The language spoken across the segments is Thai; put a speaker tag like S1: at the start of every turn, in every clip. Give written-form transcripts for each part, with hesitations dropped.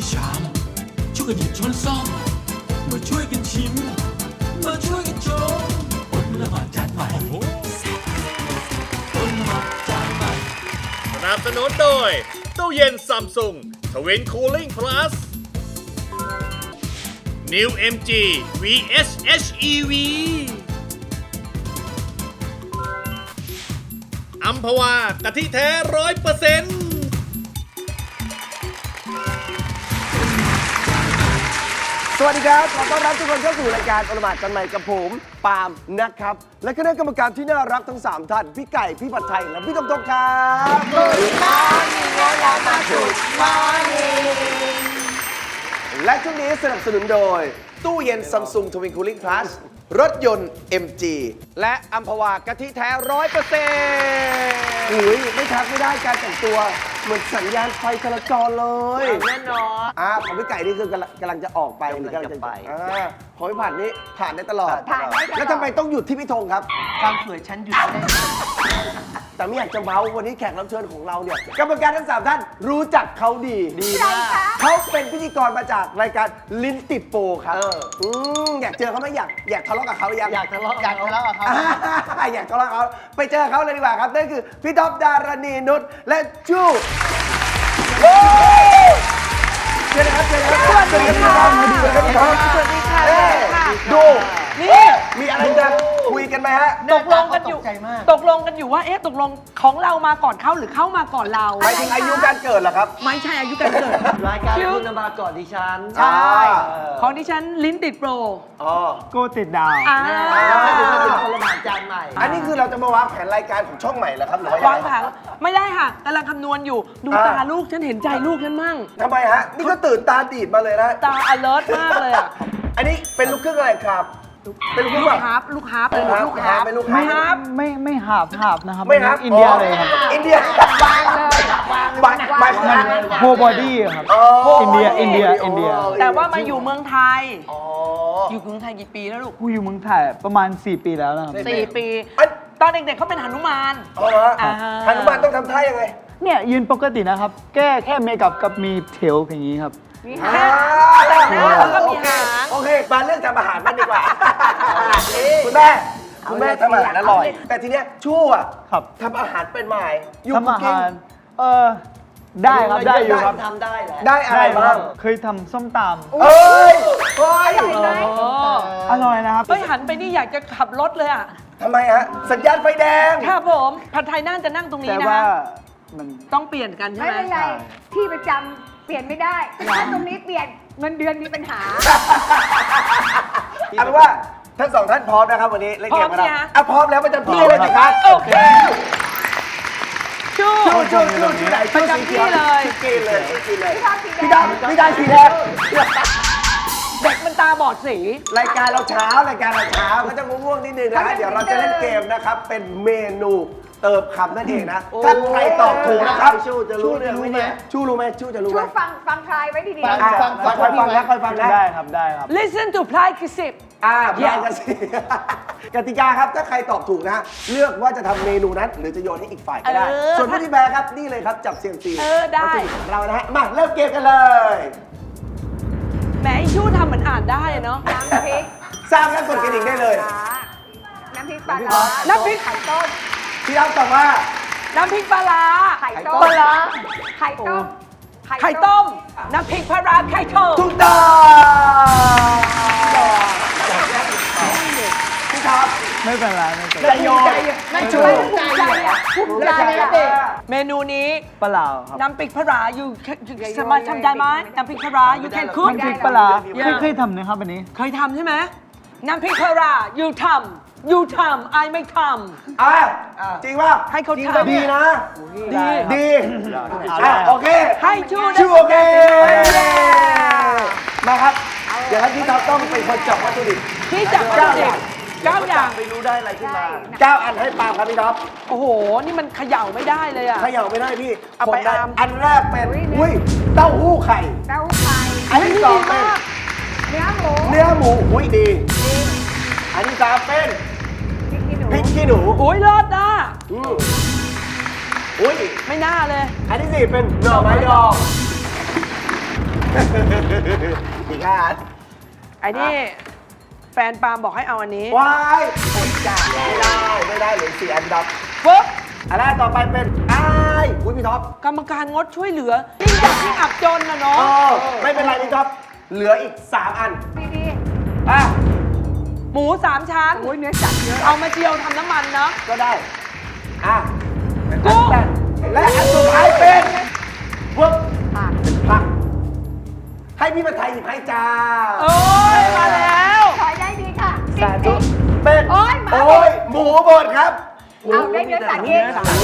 S1: ชามช่วยกันหยิบช้อนซ่อมมาช่วยกันชิมมาช่วยกันชมอดละหมาดจานใหม่อดละหมาดจานใหม่
S2: สนับสนุนโดยตู้เย็นซัมซุงทวินคูลิ่งพลัส New MG VS HEV อัมพวากะทิแท้100%
S3: สวัสดีครับขอต้อนรับทุกคนเข้าสู่รายการอลหมาดกันใหม่กับผมปาล์มนะครับ และคณะกรรมการที่น่ารักทั้ง 3 ท่าน พี่ไก่ พี่ผัดไทย และพี่ตงครับและช่วงนี้สนับสนุนโดย ตู้เย็น Samsung Twin Cooling Plus รถยนต์ MG และอัมพวากะทิแท้ 100%อุ้ยไม่ทักไม่ได้การแต่งตัวเหมือนสัญญาณไฟจราจรเลยแน่นอนของพี่ไก่นี่คือกำลังจะออกไปหรือกำลังจะไปของพี่ผัดนี่ผ่านได้ตลอดแล้วทำไมต้องหยุดที่พี่ธงครับความสวยฉันหยุดได้แต่ไม่อยากจะเมาวันนี้แขกรับเชิญของเราเนี่ยกรรมการทั้ง 3 ท่านรู้จักเขาดีมากเขาเป็นพิธีกรมาจากรายการลิ้นติดโปครับอยากเจอเขาไหมอยากทะเลาะกับเขาอยากทะเลาะกับเขาอยากทะเลาะกับเขาไปเจอเขาเลยดีกว่าครับนั่นคือพี่ท็อปดารณีนุชและจู้เชิญนะครับเชิญครับสวัสดีครับสวัสดีค่ะดูนี่มีอะไรจะคุยกันไหมฮะ
S4: ตกลงกันอยู่ว่าตกลงของเรามาก่อนเขาหรือเข้ามาก่อนเรา
S3: หมายถึงอายุการเกิดเหรอครับ
S4: ไม่ใช่อายุการเกิด
S5: รายการคุณมาก่อนดิฉัน
S4: ใช่ของดิฉันลิ้นติดโปร
S6: โก้ติดดาว
S5: ถึงมาถึงคนละหมาดจานใหม่
S3: อันนี้คือเราจะมาวางแผนรายการของช่องใหม่เหรอครับหรือว่าว
S4: างแผนไม่ได้ค่ะกำลังคำนวณอยู่ดูตาลูกฉันเห็นใจลูกฉันมั่ง
S3: ทำไมฮะนี่ก็ตื่นตาดีดมาเลยนะ
S4: ตา alert มากเลยอ่ะ
S3: อันนี้เป็นลูกครึ่งอะไรครับเป็นลูกฮาร์ป
S4: ลูกฮาร์ปเลยลูกฮาร์ป
S3: เป็นลูก
S6: ไม่
S3: ฮาร์ป
S6: ไม่หาบนะครับ
S3: ไม่ฮาร์ป
S6: อินเดียเลยครับ
S3: อินเดียบางเลยบาง
S6: โฮบอดี้ครับอินเดีย
S4: แต่ว่ามาอยู่เมืองไทยอยู่เมืองไทยกี่ปีแล้วลูก
S6: กูอยู่เมืองไทยประมาณ4 ปีแล้วนะครับ
S4: 4 ปีตอนเด็กๆเขาเป็นหนุมาน
S3: หนุมานต้องทำท่ายังไง
S6: เนี่ยยืนปกตินะครับแค่เมคอัพกับมีเทลอย่างนี้ครับ
S4: แล้วก็มีหาง
S3: โอเคมาเรื่องทำอาหารมันดีกว่าคุณแม่ทำอาหารอร่อยแต่ทีเนี้ยชั่วทำอาหารเป็นไหม
S6: ทำอาหารได้ครับได้อยู่ครับ
S5: ทำได้แหละ
S3: ได้อะไรบ้าง
S6: เคยทำส้มตำ
S3: เอ้ย
S6: อร่อยนะครับ
S4: หันไปนี่อยากจะขับรถเลยอ่ะ
S3: ทำไมฮะสัญญาณไฟแดง
S4: ครับผมผัดไทยน่าจะนั่งตรงนี้นะต้องเปลี่ยนกันใช่ไหม
S7: ไม่เป็นไรที่ประจำเปลี่ยนไม่ได้ถ้าตรงนี้เปลี่ยนเงินเดือนมีปัญหา
S3: เอาเป็นว่าทั้ง2 ท่านพร้อมนะครับวันนี้เล่นเกมกันแล้วพร้อมแล้วประจำที่เลยนะครับ
S4: โอเคชู
S3: ไหน
S4: ประจำที่เลย
S3: กินเลยพี่ดำสีแดง
S4: เด็กมันตาบอดสี
S3: รายการเราเช้าก็จะง่วงนิดนึงนะเดี๋ยวเราจะเล่นเกมนะครับเป็นเมนูเติมคำนั่นเองนะถ้าใครตอบถูกนะครับชูจะรู้ไหมชูรู้ไหมชูจะรู้ไหม
S7: ฟังทายไว้ดีๆ
S3: ค่อยฟังนะ
S6: ได้ครับ
S4: Listen to Play คือ10
S3: พลายกันสิกติกาครับถ้าใครตอบถูกนะเลือกว่าจะทำเมนูนั้นหรือจะโยนให้อีกฝ่ายก็ได้ส่วนผู้ที่แพ้ครับนี่เลยครับจับเสียงตี
S4: ได้
S3: เรานะฮะมาเริ่มเกมกันเลย
S4: แหมชูทำเหมือนอ่านได้เนาะ
S7: น้ำพริก
S3: สร้างแล้วกดกระดิ่งได้เลย
S7: น้ำพริกปลาร้า
S4: น้ำพริก
S7: ไข่ต้ม
S3: พี่รับตอบว่า
S4: น้ำพริกปลาร้า
S7: ไข่ต้มปลาร้าไข่ต้ม
S4: น้ำพริกปลาร้าไข่ต้ม
S3: ถูกต้องพี่ท็อป
S6: ไม่เป็นไร
S3: ใจโยน
S7: ไม่ชูภูมิใจ
S4: เมนูนี้
S6: ปลาครับ
S4: น้ำพริกปลาร้าอยู่สามารถทำได้ไหมน้ำพริกปลาร้า you can cook
S6: น้ำพริกปลาเคยทำนะครับอันนี้
S4: เคยทำใช่ไหมน้ำพริกปลาร้า you ทำไอไม่ทำ
S3: จริงป่ะ
S4: ให้เขาทำ
S3: ดีนะดีโอเค
S4: ให้
S3: ชูโอเคมาครับเดี๋ยวพี่ท็อปต้องเป็นคนจับวัตถุดิบ
S4: ที่จับวัตถุดิบ9 อย่าง
S5: ไม่รู้ได้อะไรขึ้นมา
S3: 9 อันให้ปาล์มครับพี่ท็อป
S4: โอ้โหนี่มันเขย่าไม่ได้เลยอะ
S3: เขย่าไม่ได้พี่เอาไปอันแรกเป็นเต้าหู้ไข่อันที่2เป็น
S7: เนื้อหมู
S3: ดีอันที่3เป็นพริกขี้หนู
S4: โอ้ยเลิศนะ
S3: อุ้ย
S4: ไม่น่าเลย
S3: อันที่4เป็นหน่อไม้ดองอีกห้าอัน
S4: ไอ้นี่แฟนปาล์มบอกให้เอาอันนี้
S3: ว้ายอดจ้าไม่ได้เหลือ4 อันดับ
S4: ปุ๊บ
S3: อันแรกต่อไปเป็นอ้ายอุ้ยพี่ท็อป
S4: กรรมการงดช่วยเหลือยิ่งยากยิ่งอับจนนะเนาะ
S3: ไม่เป็นไรพี่ท็อป เหลืออีก 3 อัน
S7: ดี
S3: อ่ะ
S4: หมู3 ชั้น
S7: ๆโอ้ยเนื้อสัตว์เยอะ
S4: เอามาเจียวทำน้ำมันเนาะ
S3: ก็ได้ อ่ะ
S4: กุ้ง
S3: และอันสุดท้ายเป็นพวกเป็นผัก ให้พี่มาไทยหยิบให้จ้า
S4: โอ้ยมาแล้ว
S7: ถอยได้ดีค่ะ
S3: สาธุเป็น
S7: โอ้ยหมา
S3: โอ้ยหมูบดครับ
S7: เอาได้เนื้อสัตว์เอง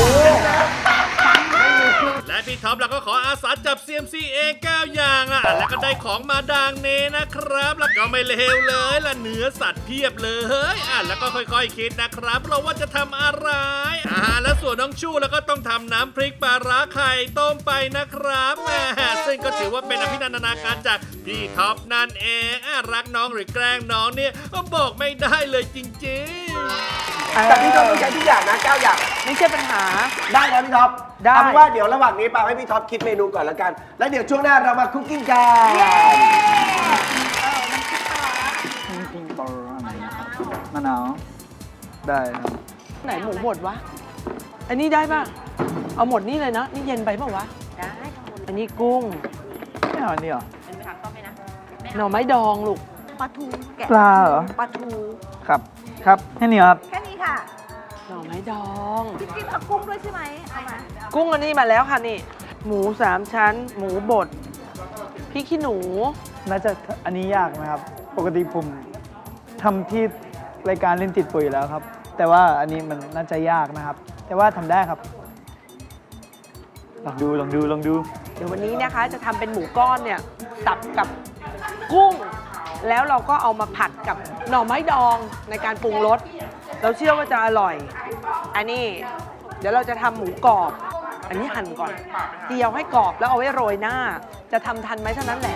S2: และพี่ท็อปเราก็ขออาสาจับ CMC เอง9 อย่างอ่ะแล้วก็ได้ของมาดังเนนะครับ แล้วก็ไม่เลวเลยละเนื้อสัตว์เพียบเลยแล้วก็ค่อยๆคิดนะครับเราว่าจะทำอะไรและส่วนน้องชู่แล้วก็ต้องทำน้ำพริกปลาร้าไข่ต้มไปนะครับแหมซึ่งก็ถือว่าเป็นอภินันทนาการจากพี่ท็อปนั่นเองรักน้องหรือแกล้งน้องเนี่ยบอกไม่ได้เลยจริงๆ
S3: แต่พี่ท็อปต้องใช้ทุกอย่างนะ9 อย่าง
S4: ไม่ใช่ปัญหา
S3: ได้นะพี่ท็อป
S4: ได้
S3: เอาเป็นว่าเดี๋ยวระหว่างนี้ปาให้พี่ท็อปคิดเมนูก่อนแล้วกัน แล้วเดี๋ยวช่วงหน้าเรามาคุกกิ้งกัน
S6: ปิ้งปลาร้ามะนาวได้ครับ
S4: ไหนหมูบดวะ อันนี้ได้ป่ะ เอาหมดนี่เลยนะ นี่เย็นไปเปล่าวะ
S7: ได้
S4: อันนี้กุ้ง
S6: ไม่เอาอันนี้เหรอ
S4: หน่อไม้ดองลูก
S7: ปลาทูแกะ
S6: ปลาเหรอ
S7: ปลาทู
S6: ครับครับแค่นี้ครับ
S7: แค่นี้ค่ะ
S4: หน่อไม้ดอง
S7: พี่กิ๊ฟเอากุ้งด้วยใช่ไหมเอามา
S4: กุ้งอันนี้มาแล้วค่ะนี่ หมู3 ชั้น หมูบดพริกขี้หนู
S6: น่าจะอันนี้ยากนะครับ ปกติผมทำที่รายการเล่นติดปุ๋ยแล้วครับ แต่ว่าอันนี้มันน่าจะยากนะครับ แต่ว่าทำได้ครับ ลองดู
S4: เดี๋ยววันนี้นะคะจะทำเป็นหมูก้อนเนี่ยสับกับกุ้ง แล้วเราก็เอามาผัดกับหน่อไม้ดองในการปรุงรส เราเชื่อว่าจะอร่อย อันนี้เดี๋ยวเราจะทำหมูกรอบ อันนี้หั่นก่อนเจียวให้กรอบแล้วเอาไว้โรยหน้า จะทำทันไหมเท่านั้นแหละ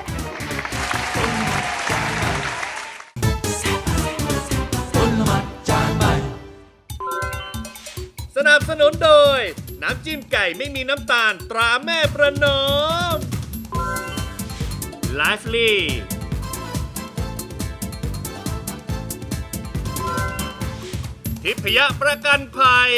S2: สนับสนุนโดย น้ำจิ้มไก่ไม่มีน้ำตาลตราแม่ประนอม Lively ทิพยประกันภัย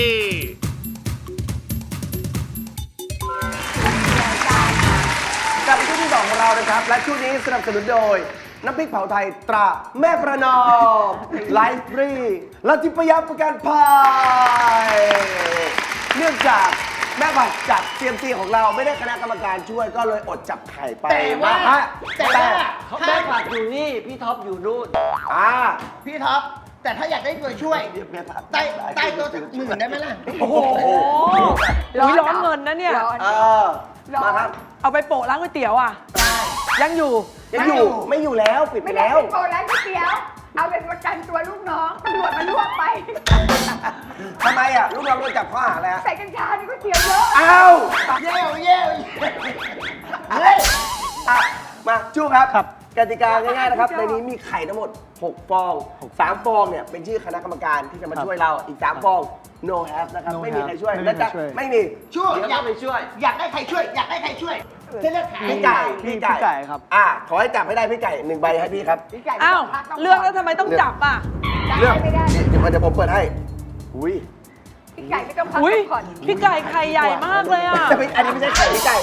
S3: กลับมาช่วงที่ 2 ของเรานะครับ และช่วงนี้สนับสนุนโดย น้ำพริกเผาไทยตราแม่ประนอมไลฟ์ฟรีและทิพยประกันภัยเนื่องจากแม่ผัดจาก CMC ของเราไม่ได้คณะกรรมการช่วยก็เลยอดจับไข่ไป
S5: แต่แม่ผัดอยู่นี่ พี่ท็อปอยู่นู่น
S8: พี่ท็อป แต่ถ้าอยากได้ตัวช่วย
S3: แม่ผัด
S8: ใต้โต๊ะสัก10,000ได้ไหมล่ะ
S3: โอ้โห
S4: อุ๊ยร้อนเงินนะเนี่ย
S7: ร้อน
S3: มาครับ
S4: เอาไปโปะร้านก๋วยเตี๋ยวอ่ะ ยังอยู่
S3: ยังอยู่ไม่อยู่แล้วปิดไป
S7: ไม่ได้
S3: แล้ว
S7: เป็นโกร้านก๋วยเตี๋ยว เอาเป็นประกันตัวลูกน้องตำรวจมารวบไป
S3: ทำไมอ่ะลูกเราโดนจับข้อหาอะไรฮะ
S7: ใส่กัญชาในก๋วยเตี๋ยวเยอะ
S3: อ้าว
S8: เย้
S3: เฮ้ยมาจู้ครับ
S6: ครับ
S3: กติกาง่ายๆนะครับ ในนี้มีไข่ทั้งหมด 6 ฟอง 3 ฟองเนี่ยเป็นชื่อคณะกรรมการที่จะมาช่วยเรา อีก 3 ฟอง no have นะครับ
S6: No
S3: ไม่มี
S6: have
S3: ใครช่วย
S6: ไม่มี
S3: และจะ
S6: ใครช่วย
S3: ไม่มี
S8: ช่วย
S5: เดี๋ยว
S8: อยา
S5: ก็
S8: ก
S5: ไปช่วย
S8: อยากได้ใครช่วย อยากได้ใครช่วยจะเลือกหา
S3: พี่ไก่
S6: พี่ไก่ครับ
S3: ขอให้จับให้ได้พี่ไก่1ใบให้พี่ครับ
S7: พี่ไก่
S4: อ้าว
S7: ไม่ต้ง
S4: เลือกแล้วทำไมต้องจับอ่ะ
S3: เลือก
S7: ไม่ได้
S3: เดี๋ยวผมเปิดให้อุ้ย
S7: พี่ไก่ไม่ต้องพัก
S4: อุ้ย
S7: ก่อน
S4: พี่ไก่ไข่ใหญ่มากเลยอ่ะ
S3: อันนี้ไม่ใช่ไข่พี่ไก่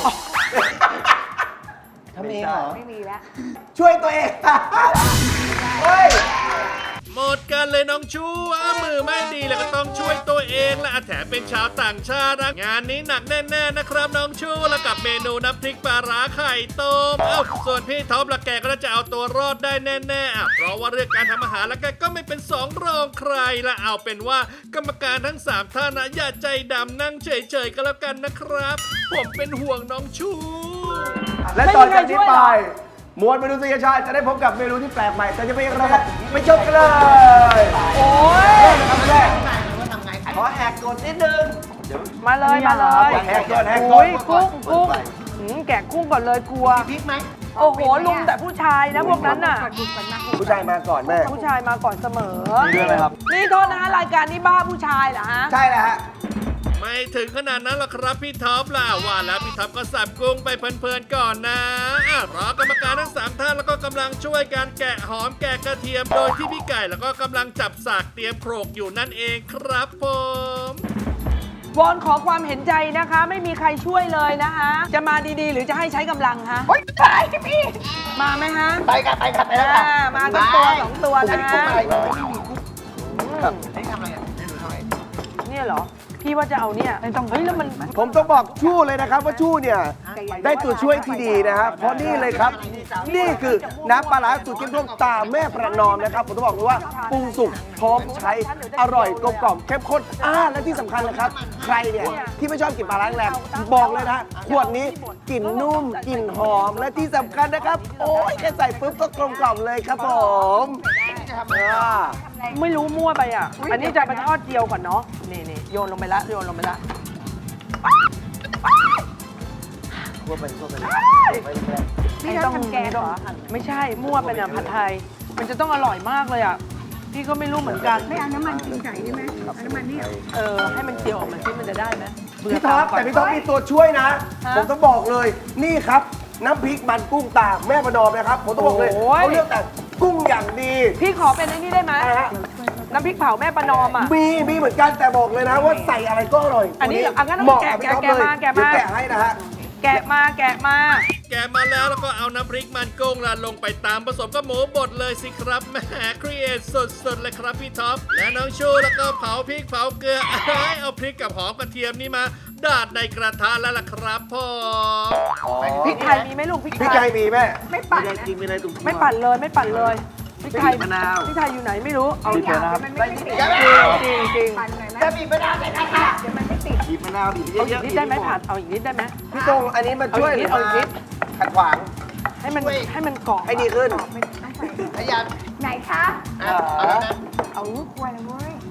S5: ทำเองเหรอ
S7: ไม่มีแล้ว
S3: ช่วยตัวเองเฮ้ย
S2: หมดกันเลยน้องชูมือไม่ดีแล้วก็ต้องช่วยตัวเองและแถมเป็นชาวต่างชาติงานนี้หนักแน่ๆนะครับน้องชูแล้วกับเมนูน้ำพริกปลาร้าไข่ต้มส่วนพี่ท็อปละแกก็จะเอาตัวรอดได้แน่ๆเพราะว่าเรื่องการทำอาหารละแกก็ไม่เป็นสองรองใครละเอาเป็นว่ากรรมการทั้ง3ท่านนะอย่าใจดำนั่งเฉยๆก็แล้วกันนะครับ ผมเป็นห่วงน้องชู
S3: และต่อจากนี้ไปมวลเมนูสุยชาติจะได้พบกับเมนูที่แปลกใหม่แต่จะเป็นอะไรครับไปชมกันเลย
S4: โอ้ย
S3: เริ่มนะครับแรก
S5: ขอแหกกฎนิดนึง
S4: มาเลยมาเลย
S3: แหกก่อนแหกก่อน
S4: โอ้ยกุ้งแกะกุ้งก่อนเลยกลัว
S8: พริกไหม
S4: โอ้โหลุมแต่ผู้ชายนะพวกนั้นน่ะ
S3: ผู้ชายมาก่อนแม่
S4: ผู้ชายมาก่อนเสมอ
S6: มีด้วยไหมครับ
S4: นี่โทษนะฮะรายการนี้บ้าผู้ชายเหรอฮะ
S3: ใช่แล้วฮะ
S2: แม่ไม่ถึงขนาดนั้นหรอกครับพี่ท็อปล่ะว่าแล้วพี่ท็อปก็สับกุ้งไปเพลินๆก่อนนะรอกรรมการทั้ง3ท่านแล้วก็กำลังช่วยการแกะหอมแกะกระเทียมโดยที่พี่ไก่แล้วก็กำลังจับสากเตรียมโขลกอยู่นั่นเองครับผม
S4: วอนขอความเห็นใจนะคะ ไม่มีใครช่วยเลยนะคะ จะมาดีๆ หรือจะให้ใช้กำลังฮะ
S8: โอ๊ยตายพี่
S4: มาไหมฮะ
S8: ไปกันไปกันไปแล้วค่ะ
S4: มากันตัวสองตัวนะ
S8: ผมอะไรก่อนครับให้ทำอะไรอ่ะให้ดูทำอะไร
S4: เนี่ยเหรอ พี่ว่าจะเอาเนี่ยเฮ้ยแล้วมัน
S3: ผมต้องบอกชู้เลยนะครับว่าชู้เนี่ยได้ตัวช่วยที่ดีนะครับเพราะนี่เลยครับ นี่คือน้ำปลาร้าสูตรเข้มข้นตาแม่ประนอมนะครับผมต้องบอกเลยว่าปรุงสุกพร้อมใช้อร่อยกลมกล่อมเข้มข้นและที่สำคัญนะครับ ใครเนี่ยที่ไม่ชอบกลิ่นปลาร้าแรงบอกเลยนะขวดนี้กลิ่นนุ่มกลิ่นหอมและที่สำคัญนะครับ โอ้ยแค่ใส่ปุ๊บก็กลมกล่อมเลยครับผมอ่า
S4: ไม่รู้มั่วไปอ่ะ อันนี้จะไปทอดเจียวก่อนเนาะ นี่โยนลงไปละโยนลงไปละ
S7: นี่เราทำแกงเหรอ
S4: ไม่ใช่ มั่วเป็นอ่ะผัดไทย มันจะต้องอร่อยมากเลยอ่ะ พี่ก็ไม่รู้เหมือนกัน
S7: ไม่เอาน้ำมันกินไก่ใช่ไหมเอาน้ำมันนี่เหรอ
S4: ให้มันเจียวออกมาซิมันจะได้ไหมเบื่
S3: พี่ท็อป
S4: ก่น
S3: แต่พี่ท็อปมีตัวช่วยนะ
S4: ฮะ
S3: ผมต้องบอกเลยนี่ครับ น้ำพริกมันกุ้งตาแม่ประนอมนะครับ ผมต้องบอกเลย
S4: โอ้ย
S3: เขาเลือกแต่กุ้งอย่างดี
S4: พี่ขอเป็นไอ้นี่ได้ไหม
S3: นะฮะ
S4: น้ำพริกเผาแม่ประนอมอ่ะ
S3: มีเหมือนกันแต่บอกเลยนะว่าใส่อะไรก็อร่อย
S4: อันนี้เหรออ่ะงั้น
S3: เหมาะ
S4: แกะ
S3: กับพี่ท็อป
S4: แกะ
S3: เลย
S4: มาแกะมา
S3: เดี๋ยวแกะให้นะฮะ
S4: แกะมา
S2: แกะมาแล้วแล้วก็เอาน้ำพริกมันกุ้งละลงไปตามผสมกับหมูบดเลยสิครับแหมครีเอทสุดๆเลยครับพี่ท็อปและน้องชูแล้วก็เผาพริกเผาเกลือเอาพริกกับหอมกระเทียมนี่มาดาดในกระทะแล้วล่ะครับพ่อ
S4: พริกไทยมีไหมลูกพริก
S3: พี่
S4: ไท
S3: ไก่
S4: ย
S3: มีแม่
S7: ไม่ปั่นนะ
S4: ไม่ปั่นเลยไม่ปั่นเลยพริกไทยพริกไทยอยู่ไหนไม่รู้ เอา
S6: บีบเลยนะครับ
S7: มันไม่ติด
S4: จริง
S7: ปั่นหน่อยไหม
S8: จะบีบมะนาวใส่กันค่ะ
S7: เดี๋ยวมันไม่ติด
S8: บีบมะนาวบีบ
S4: ๆเอาอีกนิดได้ไหมผัดเอาอีกนิดได้ไหม
S3: พี่ตรงอันนี้มาช่วย
S4: เอาอีกนิด
S3: ขัดขวาง
S4: ให้มันเกาะ
S3: ให้ดีขึ้น
S8: พยายาม
S7: ไหนคะ
S8: เอาแล้วนะ
S7: เอาควรเลยเว้ย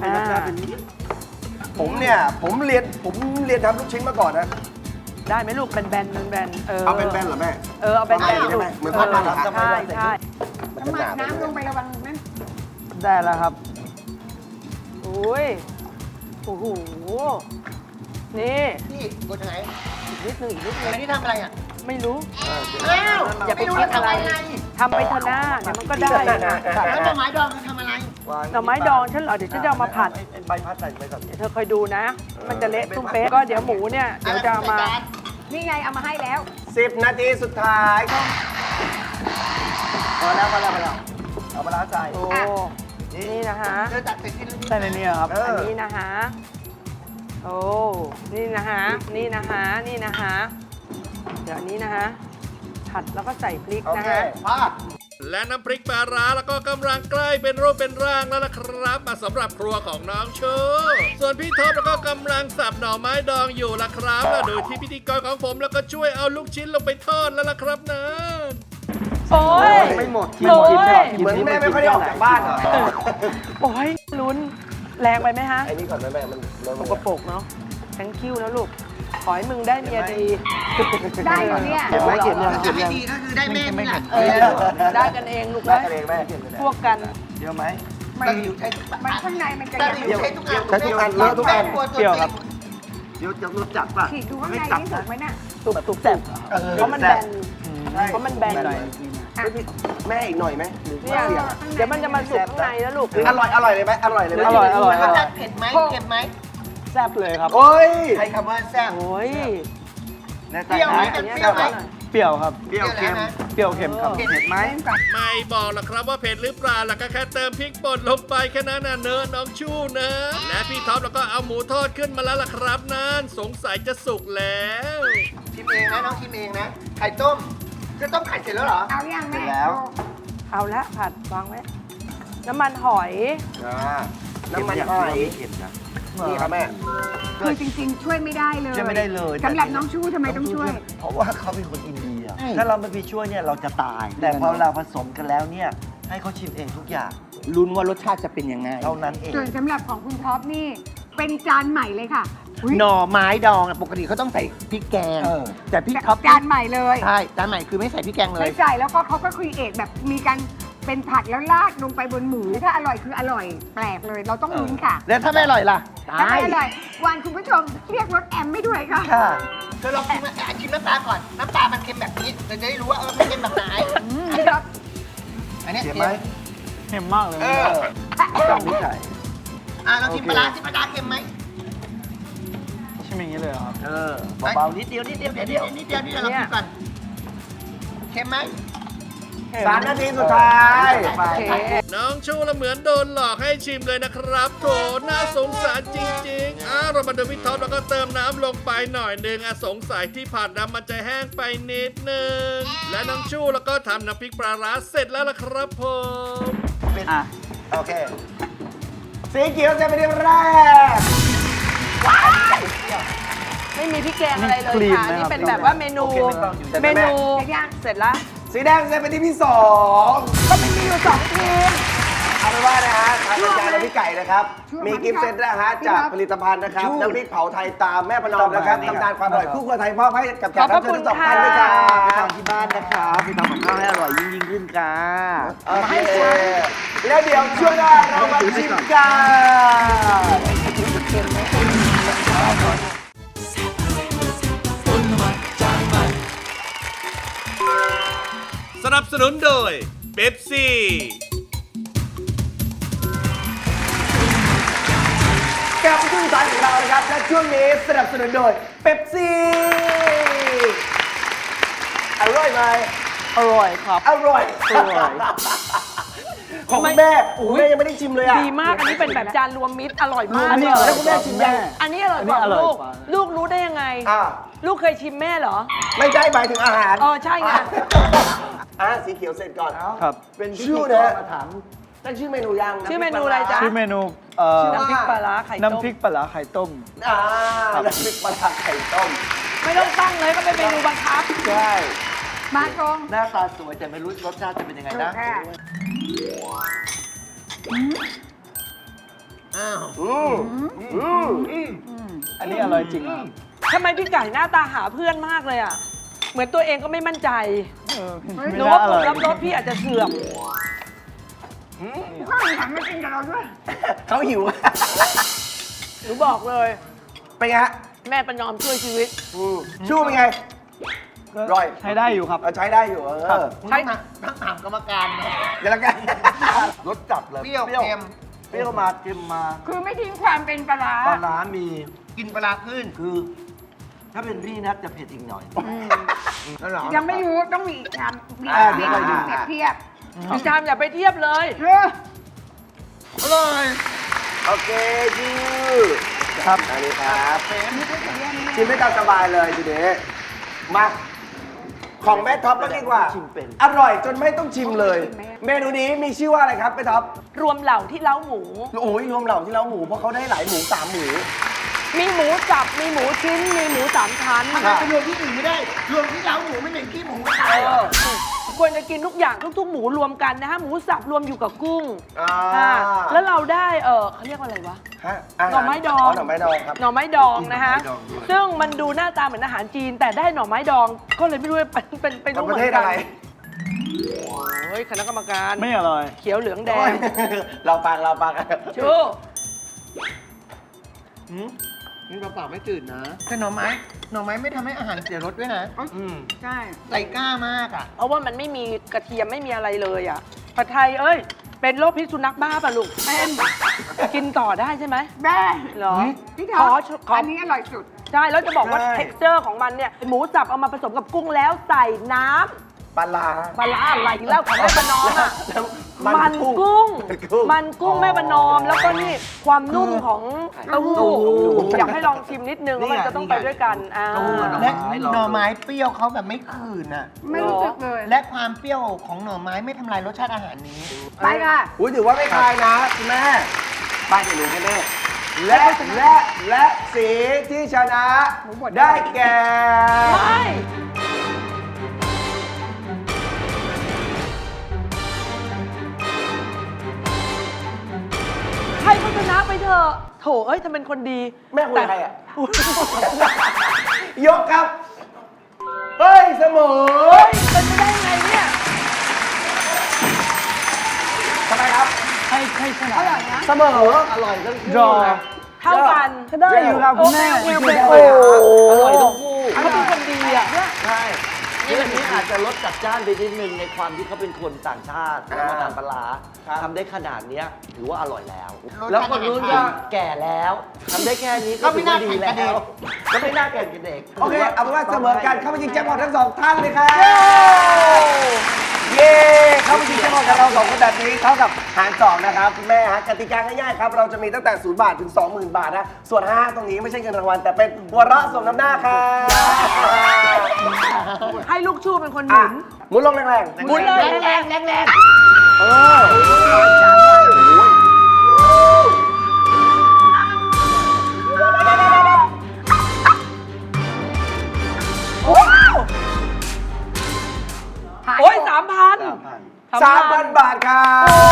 S3: ผมเรียนทำลูกชิ้นมาก่อนนะ
S4: ได้ไหมลูกแบนๆ
S3: เอาเป็นแบนเหรอแม่
S4: เอาแบน
S3: เอา
S4: ๆ
S3: ใช่ไหมเหมือนพัดมันเหรอครับ
S4: ใช่ใช่
S3: มันจะ
S7: น้ำ
S3: ห
S7: มัน
S3: นาไป
S7: น้ำลงไประวังนั่น
S6: ได้แล้วครับ
S4: โอ้ยโอ้โหนี่
S8: พี่กดยังไง
S4: อีกนิดนึง
S8: อันนี้ทำอะไรอ่ะ
S4: ไม่รู้
S8: อ้าว
S4: อย่าไป
S8: ไม่รู้
S4: คิ
S8: แล้
S4: ด
S8: ว
S4: อะไร
S8: ทำอะไร
S4: ทำไปเถอะหน้าเดี๋ยวมันก็ได้นะ
S8: แล้วหน่อไม้ดองทำอะไร
S4: หน่อไม้ดองฉันเหรอเดี๋ยวฉันจะเอามาผัด
S3: ใบพัดใส่ไปก่อน
S4: เดี๋ยวเธอคอยดูนะ มันจะเละตุ้มเป๊ะก็เดี๋ยวหมูเนี่ยเดี๋ยวจะเอามา
S7: นี่ไงเอามาให้แล้ว
S3: 10 นาทีสุดท้ายก็พอแล้วเอาปลาร้าใส่
S4: โอ้นี่นะคะ
S8: เธอจัดเสร็จที่นี่
S6: ใส่ในนี้ครับ
S3: เออ
S4: อันนี้นะคะโอ้นี่นะคะนี่นะคะนี่นะคะเดี๋ยวอันนี้นะคะผัดแล้วก็ใส่พริก
S3: โอ
S4: นะ
S3: เค
S4: คะ
S3: พา
S2: และน้ำพริกปลาร้าแล้วก็กำลังใกล้เป็นรูปเป็นร่างแล้วล่ะครับมาสำหรับครัวของน้องชูส่วนพี่ท็อปแล้วก็กำลังสับหน่อไม้ดองอยู่ล่ะครับและโดยที่พิธีกรของผมแล้วก็ช่วยเอาลูกชิ้นลงไปทอดแล้วล่ะครับนะ
S4: โอ้ย
S3: ไม่หมด
S4: โอ้ย
S3: เหมือนแม่ไม่ค่อยได้ออกจากบ้านเหรอ
S4: โอ้ยลุ้นแรงไปไหมฮะ
S3: ไอ้นี่ก่อนนะแม่มัน
S4: สกปรกเนาะ thank you นะลูก ขอให้มึงได้เมียดี
S7: ได้เหรอเนี่ย
S3: เก็บไว้เก็บไว้
S8: ทำให้ดีก็คือได้แม่นี่แหละ
S4: เออได้กันเองลูก
S3: ได้
S4: นะ
S3: กันเองแม่
S4: พวกกัน
S3: เยอะไหม
S7: มัน
S8: ตะหลิวใช้ทุก
S7: มันข้างในมันจะ
S8: ตะ
S7: ยั
S8: ห
S7: ง
S8: ลิวใช้ทุกอัน
S3: ใช้ทุกอันเลอะทุกอัน
S8: เปรี้ยวครับ
S3: เดี๋ยวจะรู้จักป่ะ
S7: ฉีกดูข้างในนี่ถูกไหมน่ะ
S4: ตุบตุบแสบเพราะมันแบน เพราะมันแบน
S3: แม่อีกหน่อยไหมหรือ
S4: เนี่ย
S3: ว่า
S4: เดี๋ยวมันจะมาสุกข้างในแล้วลูก
S3: อร่อยเลยไหมอร่อยเลยไหม
S6: อร่อย
S8: เผ็ดไหมเค็มไหม
S6: แซ่บเลยครับ
S3: โอ้ย
S8: ใช้คำว่าแซ่บ
S4: โอ้ย
S8: เปรี้ยวไหมเปรี้ยวไหม
S6: เปรี้ยวครับ
S8: เปรี้ยวเค็ม
S6: เปรี้ยวเค็มครับ
S8: เผ็ดไหม
S2: ไม่บอกหรอกครับว่าเผ็ดหรือเปล่าแล้วก็แค่เติมพริกป่นลงไปแค่นั้นน่ะเนอะน้องชู้นะ และพี่ท็อปแล้วก็เอาหมูทอดขึ้นมาแล้วล่ะครับนั่นสงสัยจะสุกแล้ว
S8: ชิมเองนะน้องชิมเองนะไข่ต้มจะต้มไข่เสร็จแล้วเหรอ
S7: เอายังแม่
S4: เอาละผัดวางไว้ น้ำมันหอย
S3: น้ำมันหอยนี่ครับแม่
S7: คือจริงๆ ช่วยไม่ได้เลย
S5: ช่วยไม่ได้เลย
S7: สำหรับน้องชู้ทำไมต้องช่วย
S5: เพราะว่าเขาเป็นคนอินเดีย ถ้าเราไม่ไปช่วยเนี่ยเราจะตาย แต่พอเราผสมกันแล้วเนี่ยให้เขาชิมเองทุกอย่าง
S8: ลุ้นว่ารสชาติจะเป็นยังไง
S5: เท่านั้นเอง
S7: ส่วนสำหรับของคุณท็อปนี่ เป็นจานใหม่เลยค่ะอุ๊ย
S8: หน่อไม้ดองอะปกติเขาต้องใส่พริกแกง
S5: เออ
S8: แต่พี่ท็อป
S7: จานใหม่เลย
S8: ใช่จานใหม่คือไม่ใส่พริกแกงเล
S7: ไม่
S8: ย
S7: ใส่แล้วก็เขาก็คุยเอทแบบมีการเป็นผัดแล้วราดลงไปบนหมู ถ้าอร่อยคืออร่อย แปลกเลย เราต้องลุ้นค่ะ
S8: แล้วถ้าไม่อร่อยล่ะ
S7: ถ้าไม่อร่อย วันคุณผู้ชมเรียกรถแอมไม่ด้วยค่ะ
S8: ค่ะเธอลองชิมน้ำปลาก่อน น้ำปลามันเค็มแบบนี้เราจะได้รู้ว่ามันเค็มแบบไหน
S7: พี่ท็อป
S8: อันเนี้ย
S5: เค็มไหม
S6: เค็มมากเลย
S5: จำไม่ใช่
S8: เราชิมปลาร้าชิมปลาร้าเค็มไหม
S6: ชิมอย่างนี้เลยเหรอครับ
S5: เบาๆนิดเดียวนิดเดียว
S8: เดี๋ยว
S5: นิดเดียว
S8: นิดเดียวนี่เราชิมก่อนเค็มไหม
S3: 3 นาทีสุดท้าย
S2: น้องชูละเหมือนโดนหลอกให้ชิมเลยนะครับโถน่าสงสารจริงๆเรามาดูพี่ท็อปแล้วก็เติมน้ำลงไปหน่อยหนึ่งสงสัยที่ผัดน้ำมันจะแห้งไปนิดนึงและน้องชูแล้วก็ทำน้ำพริกปลาร้าเสร็จแล้วล่ะครับผม
S6: อ่ะ
S3: โอเค สีเขียวจะเป็นที่แรก
S4: ไม่มีพริกแกงอะไรเลย
S6: นี่คลีน
S4: ค่ะ
S6: นะครับ
S4: นี่เป็นแบบว่าเมนู เมนู เสร็จแล้ว
S3: สีแดงจะเป็นที่ที่ 2
S4: ก็ไม่มีอยู่2ทีม
S3: เอาเป็นว่านะฮะทางรายการเราพี่ไก่นะครับ มีกิฟต์เซตนะฮะจากผลิตภัณฑ์นะครับน้ำพริกเผาไทยตามแม่ประนอมนะครับตำนานความอร่อยคู่ครัวไทยมอบให้กับแขกรับเชิญทั้งสองท่านด้วยครับ
S5: ไปทำที่บ้านนะครับไปทำกับข้าวให้อร่อยยิ่งขึ้นค่ะ
S3: โอเคแล้วเดี๋ยวช่วงหน้าเรามาชิมกัน
S2: สนับสนุนโดยเป๊ปซี่
S3: กลับมาช่วงสุดท้ายของเรานะครับและช่วงนี้สนับสนุนโดยเป๊ปซี่อร่อยไหม
S6: อร่อยครับ
S3: อร่อย
S6: อร่อย
S3: ของคุณแม่โอ้โหแม่ยังไม่ได้ชิมเลยอ่ะ
S4: ดีมาก อันนี้เป็นแบบจานรวมมิตร อร่อยมาก
S6: อันนี้อร่อย
S3: แล้วคุณแม่ชิมยัง
S4: อันนี้อร่อยกว่า
S6: อันนี้อร่อย
S4: ลูก
S6: กว่า
S4: ลูกรู้ได้ยังไง
S3: อ่า
S4: ลูกเคยชิมแม่เหรอ
S3: ไม่ใช่หมายถึงอาหาร
S4: อ๋อใช่ไง
S3: สีเขียวเสร็จก่อน
S6: ครับ
S5: เป็นพิธี
S3: ชื่อก
S5: ร
S3: นะ
S5: มาถาม
S3: ตั้งชื่อเมนูยัง
S4: ชื่อเมนูอะไรจ๊ะ
S6: ชื่อเมนู
S4: น้ำพริกปลาร้าไข่ต้ม
S6: น้ำพริกปลาร้าไข่ต้ม
S3: น้ำพริกปลาร้าไข่ต้ม
S4: ไม่ต้องตั้งเลยก็เป็นเมนูบังคับ
S3: ใช่
S7: มาตรง
S5: หน้าตาสวยแต่ไม่รู้รสชาติจะเป็นยังไง
S7: ถูก
S5: นะ
S7: ค่ะ
S8: อ้าว
S6: อันนี้อร่อยจริงครับ
S4: ทำไมพี่ไก่หน้าตาหาเพื่อนมากเลยอ่ะ เหมือนตัวเองก็ไม่มั่นใจ
S6: ไม่
S4: หรือ
S6: น่า
S4: ว่า
S6: อ
S4: ผ
S6: ร่
S4: ล
S6: อย
S4: ลัพธ์รสพี่อาจจะเสื่อม
S7: ข้าวหันมากินกับเราด้วย
S3: เขาหิว
S4: หนูบอกเลย
S3: เป็นไงฮะ
S4: แม่ประนอมช่วยชีวิต
S3: ชูเป็นไง ร่อย
S6: ใช้ได้อยู่ครับ
S3: ใช้ได้อยู่
S6: ครับ
S8: ต้องถามกรรมการนะ
S3: เดี๋ยวละกัน
S5: รสจัดเลย
S8: เปรี้ยวเค็ม
S5: เปรี้ยวมาเค็มมา
S7: คือไม่ทิ้งความเป็นปลาร้า
S5: ปลาร้ามี
S8: กินปลาร้าขึ้น
S5: คือ ถ้าเป็นพี่นะจะเผ็ดอีกหน่อย
S7: ยังไม่รู้ต้องมีอีกคำมี
S3: อ่า
S7: เปรียบเทียบ
S4: พี่จามอย่าไปเทียบเลย
S7: เออ
S8: อร่อย
S3: โอเคชื่อ
S6: ครับ
S3: อันนี้ครับชิมได้ตามสบายเลยทีนี้มาของแม่ท็อปก็ดีกว่า
S5: ชิมเป็น
S3: อร่อยจนไม่ต้องชิมเลย เมนูนี้มีชื่อว่าอะไรครับแม่ท็อป
S4: รวมเหล่าที่เล้าหมู
S3: โอ้ยรวมเหล่าที่เราหมูเพราะเขาได้หลายหมู3หมู
S4: มีหมูสับ มีหมูชิ้น มีหมูสามชั้น
S8: ทำไมไปรวมที่อื่นไม่ได้ รวมที่เล้าหมูไม่เหม็นขี้หมูไม่ได้เหรอ
S4: ควรจะกินทุกอย่างทุกๆหมูรวมกันนะฮะ หมูสับรวมอยู่กับกุ้ง
S3: อ่า
S4: ค่ะแล้วเราได้เขาเรียกว่าอะไรวะ
S3: ฮะา
S4: หน่อไม้ดอง
S3: หน่อไม้ดองครับ
S4: หน่อไม้ดองนะฮะ ซึ่งมันดูหน้าตาเหมือนอาหารจีน แต่ได้หน่อไม้ดอง ก็เลยไม่รู้ว่าเป็น
S3: ของ
S4: รู้
S3: ป
S4: เหมื
S3: ระ
S4: อ
S3: เทศ
S4: นกั
S3: อะไร
S4: โอ้ยคณะกรรมการ
S6: ไม่อร่อย
S4: เขียวเหลืองแด
S3: โอ้
S4: ง
S3: ยเราฟัง
S4: ชู
S8: นี่เปล่าๆไม่จืดนะ แต่หน่อไม้ไม่ทำให้อาหารเสียรสด้วยนะ
S7: ใช่
S8: ใส่กล้ามากอ่ะ
S4: เพราะว่ามันไม่มีกระเทียมไม่มีอะไรเลยอ่ะผัดไทยเอ้ย เป็นโรคพิษสุนัขบ้าป่ะลูกเป็นกินต่อได้ใช่ไหม
S7: แม่
S4: เหรอ
S7: พี่ท็อป
S4: ขอ
S7: อันนี้อร่อยสุด
S4: ใช่ แล้วจะบอกว่า texture ของมันเนี่ย หมูสับเอามาผสมกับกุ้งแล้วใส่น้ำ
S3: ปลาร้า
S4: ปลาร้าอะไรแล้วของแม่ประนอมอ่ะ
S3: แล้ว
S4: มันกุ้ง
S3: มันกุ้ง
S4: มันกุ้งแม่ประนอม แล้วก็นี่ความนุ่มของเต้าหู้
S3: เต้าหู้
S4: อยากให้ลองชิมนิดนึงว่ามันจะต้องไปด้วยกันอ่า
S8: และหน่อไม้เปรี้ยวเขาแบบไม่ขืนอ่ะ
S7: ไม่รู้สึกเลย
S8: และความเปรี้ยวของหน่อไม้ไม่ทำลายรสชาติอาหารนี้
S7: ไปค่ะ
S3: อุ้ยถือว่าไม่คลายนะคุณแม่ป้ายเดี๋ยวรู้ให้แม่และสีที่ชนะ
S7: หมูบด
S3: ได้แก่
S4: ไม่ให้เขาชนะไปเถอะโถเอ้ยทำเป็นคนดี
S3: แม่คุยกับใครอ่ะ ยกครับ เฮ้ยเสมอ
S4: เป็นไปได้ไงเนี่ย
S6: ให้ขนาด
S7: อร่อยนะ
S3: เสมออร่อยทั้งคู่
S6: รอ
S3: นะ
S4: เท่ากัน
S6: ก็ได้อยู่ครับคุณแม่
S4: โอเค
S3: โอ้อร่อยทั้งคู่
S4: เขาเป็นคนดีอ่ะ
S5: ใช่ที่อันนี้อาจจะลดจัดจ้านไปนิดนึงในความที่เขาเป็นคนต่างชาติแล้วมาทานปลาร้าทำได้ขนาดเนี้ยถือว่าอร่อยแล้ว แล้วคนนู้นก็แก่แล้วทำได้แค่นี้ก็ถือว่าดีแล้วก็ไม่น่าแข่งกับเด็ก
S3: โอเค เอาเป็นว่าเสมอกันเข้ามายิงแจ็คพอตทั้งสองท่านเลยครับเย้เข้ามายิงแจ็คพอตกับเราสองคนแบบนี้เท่ากับหารสองนะครับคุณแม่ฮะกติกาง่ายๆครับเราจะมีตั้งแต่0 บาทถึง 20,000 บาทนะส่วน5ตรงนี้ไม่ใช่เงินรางวัลแต่เป็นหัวเราะสมน้ำหน้าครับ
S4: ให้ลูกชูเป็นคนหมุน
S3: หมุนลงแรงๆ
S4: หมุนเลยแรง
S3: เออ
S4: โอ้ย3,000
S3: 3,000 บาทครับ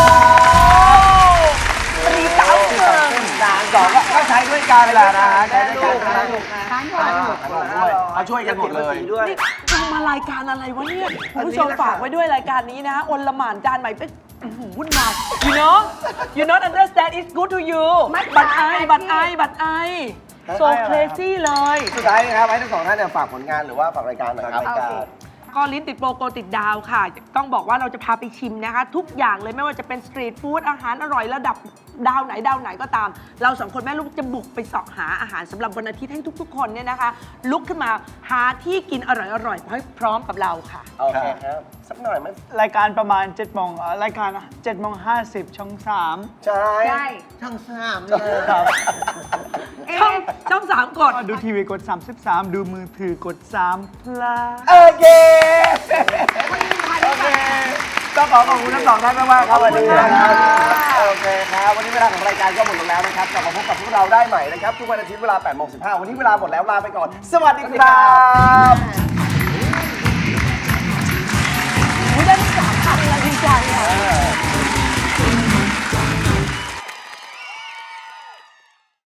S4: ตีเต้าเกิน
S3: 3,2ก็ใช้ด้วยกันแหละนะฮะใช้ด้วยกันนะ
S7: ทานหมด
S3: ด้วยเขาช่วยกันหมดเลย
S4: นี่ทำมารายการอะไรวะเนี่ยคุณผู้ชมฝากไว้ด้วยรายการนี้นะอลหม่านจานใหม่เป็นวุ่นวาย you not understand it's good to you บัตรไอ so crazy เลย
S3: สุดท้ายนะครับให้ทั้งสองท่านเนี่ยฝากผลงานหรือว่าฝากรายการหน่อยครับ
S4: ก็ลิ้นติดโปรโกติดดาวค่ะ ต้องบอกว่าเราจะพาไปชิมนะคะ ทุกอย่างเลยไม่ว่าจะเป็นสตรีทฟู้ดอาหารอร่อยระดับดาวไหนก็ตาม เราสองคนแม่ลูกจะบุกไปเสาะหาอาหารสำหรับวันอาทิตย์ให้ทุกๆคนเนี่ยนะคะ ลุกขึ้นมาหาที่กินอร่อยๆให้พร้อมกับเราค่ะ
S3: โอเคครับ สักหน่อยไหม
S6: รายการประมาณ7 โมงรายการ7:50ช่อง 3
S3: ใช่
S7: ใช่
S5: ทั้งสาม
S6: ครับ
S4: ช่อง3กด
S6: ดูทีวีกด 33 ดูมือถือกด3พลา
S3: โอเค โอเค ต้องขอบคุณทั้งสองท่านมากๆครับวันนี้นะครับโอเคครับ วันนี้เวลาของรายการก็หมดลงแล้วนะครับ กลับมาพบกับพวกเราได้ใหม่นะครับ ทุกวันอาทิตย์เวลา 8:15 วันนี้เวลาหมดแล้วลาไปก่อน สวัสดีครับ